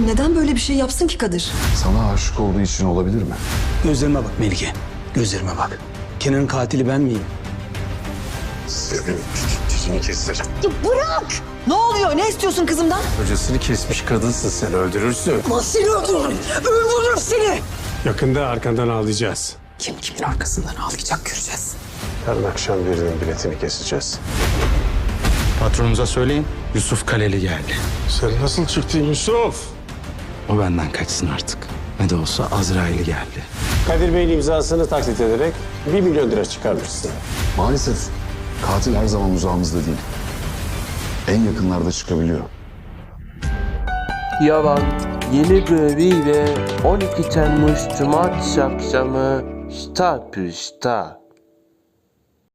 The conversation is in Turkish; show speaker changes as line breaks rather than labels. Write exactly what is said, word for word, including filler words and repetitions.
Oğlum neden böyle bir şey yapsın ki Kadir?
Sana aşık olduğu için olabilir mi?
Gözlerime bak Melike. Gözlerime bak. Kenan'ın katili ben miyim?
Senin dişini keserim.
Ne oluyor? Ne istiyorsun kızımdan?
Kocasını kesmiş kadınsın, sen öldürürsün.
Seni öldürürüm. Öldürürüm seni.
Yakında arkandan ağlayacağız.
Kim kimin arkasından ağlayacak göreceğiz.
Yarın akşam birinin biletini keseceğiz.
Patronunuza söyleyin, Yusuf Kaleli geldi.
Sen nasıl çıktın Yusuf?
O benden kaçsın artık. Ne de olsa Azrail geldi.
Kadir Bey'in imzasını taklit ederek bir milyon lira çıkarmışsın.
Maalesef katil her zaman uzağımızda değil. En yakınlarda çıkabiliyor.
Yalan yeni bölümüyle on iki Temmuz Cumartesi akşamı Star Plus'ta.